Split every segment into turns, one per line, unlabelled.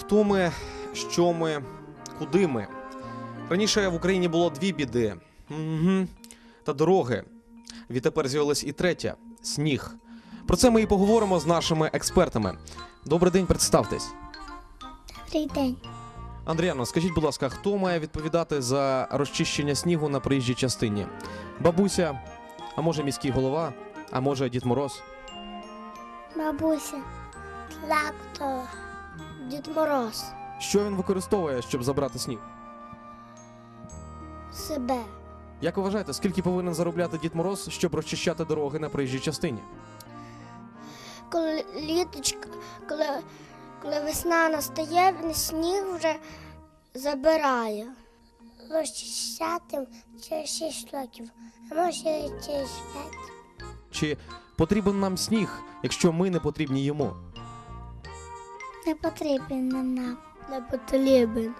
Хто ми, що ми, куди ми? Раніше в Україні було дві біди. Та дороги. Відтепер з'явилась і третя – сніг. Про це ми і поговоримо з нашими експертами. Добрий день, представтесь.
Добрий день.
Андріано, скажіть, будь ласка, хто має відповідати за розчищення снігу на проїжджій частині? Бабуся, а може міський голова, а може Дід Мороз?
Бабуся, трактор, Дід Мороз,
Що він використовує, щоб забрати сніг?
себе.
Як ви вважаєте, скільки повинен заробляти Дід Мороз, щоб розчищати дороги на проїжджій частині?
Коли літочка, коли весна настає, він сніг вже забирає. Розчищати через 6 років, а може через 5.
Чи потрібен нам сніг, якщо ми не потрібні йому?
Не потрібен нам. Не потрібен.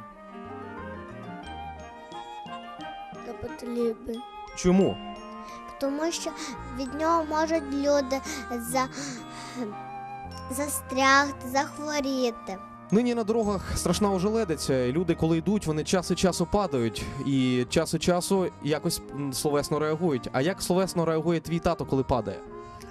Не потрібен.
Чому?
Тому що від нього можуть люди застрягти, захворіти.
Нині на дорогах страшна ожеледиця. І люди, коли йдуть, вони час від часу падають. І час від часу якось словесно реагують. А як словесно реагує твій тато, коли падає?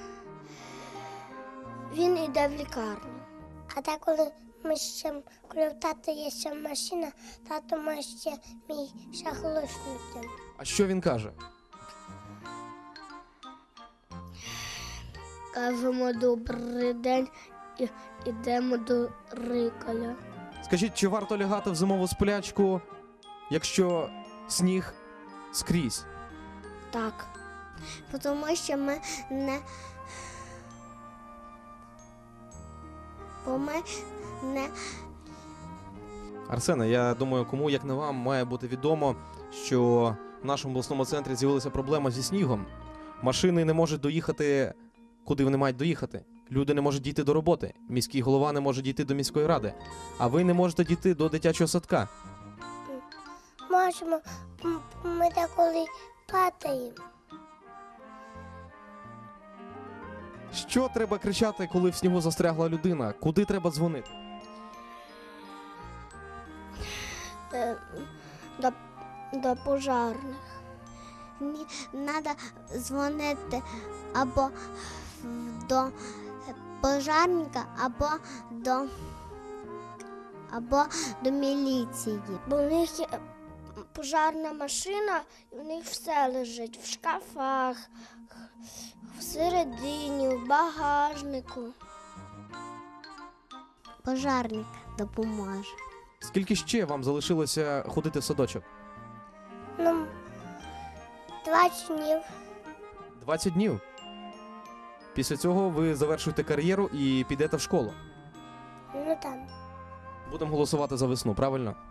Він йде в лікарню. А так, коли в тата є ще машина, тато може ще мій шахлушнути.
А що він каже?
Кажемо добрий день і йдемо до рикаля.
Скажіть, чи варто лягати в зимову сплячку, якщо сніг скрізь?
Так. Тому що ми не... Бо ми не...
Арсене, я думаю, кому, як не вам, має бути відомо, що в нашому обласному центрі з'явилася проблема зі снігом. Машини не можуть доїхати, куди вони мають доїхати. Люди не можуть дійти до роботи. Міський голова не може дійти до міської ради. А ви не можете дійти до дитячого садка.
Можемо. Ми деколи падаємо.
Що треба кричати, коли в снігу застрягла людина? Куди треба дзвонити?
До пожарних. Треба дзвонити або до пожарника, або до міліції. Бо в них є пожарна машина, і в них все лежить в шкафах, всередині, в багажнику. Пожарник допоможе.
Скільки ще вам залишилося ходити в садочок?
20 днів.
20 днів? Після цього ви завершуєте кар'єру і підете в школу.
Ну там.
Будемо голосувати за весну, правильно?